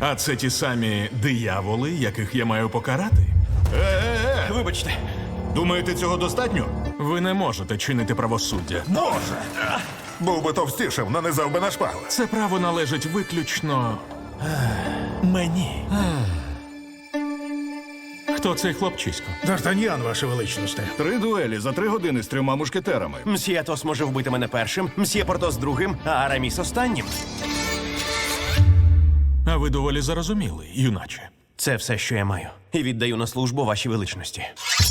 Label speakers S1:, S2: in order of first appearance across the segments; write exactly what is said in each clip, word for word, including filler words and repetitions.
S1: А це ті самі дияволи, яких я маю покарати?
S2: Е-е-е!
S3: Вибачте.
S2: Думаєте, цього достатньо?
S1: Ви не можете чинити правосуддя.
S4: Може. Був би товстішим, нанизав би на шпали.
S1: Це право належить виключно мені. Хто цей хлопчисько?
S5: Д'Артаньян, ваше величність.
S2: Три дуелі за три години з трьома мушкетерами.
S3: Мсьє Атос може вбити мене першим, мсьє Портос другим, а Араміс останнім.
S1: А ви доволі зарозуміли, юначе.
S3: Це все, що я маю. І віддаю на службу вашій величності.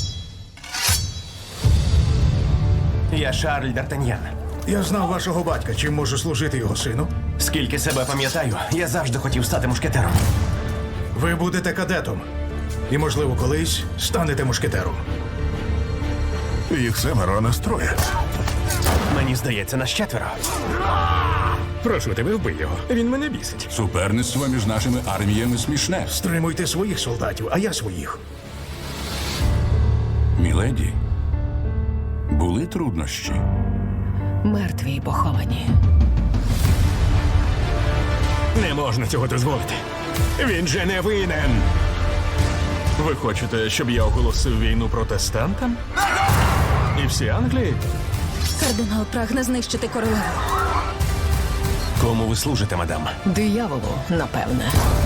S3: Я Шарль Д'Артаньян.
S5: Я знав вашого батька, чим можу служити його сину.
S3: Скільки себе пам'ятаю, я завжди хотів стати мушкетером.
S5: Ви будете кадетом. І, можливо, колись станете мушкетером.
S4: Їх семеро, а нас троє.
S3: Мені здається, нас четверо.
S5: Прошу тебе, вбий його. Він мене бісить.
S6: Суперництво між нашими арміями смішне.
S5: Стримуйте своїх солдатів, а я своїх.
S6: Міледі, були труднощі.
S7: Мертві й поховані.
S5: Не можна цього дозволити. Він же не винен.
S1: Ви хочете, щоб я оголосив війну протестантам? І всі Англії?
S7: Кардинал прагне знищити королеву.
S3: Кому ви служите, мадам?
S7: Дияволу, напевне.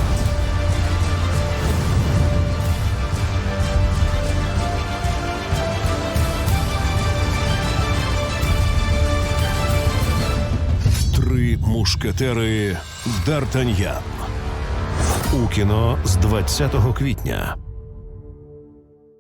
S8: Три мушкетери Д'Артаньян. У кіно з двадцятого квітня.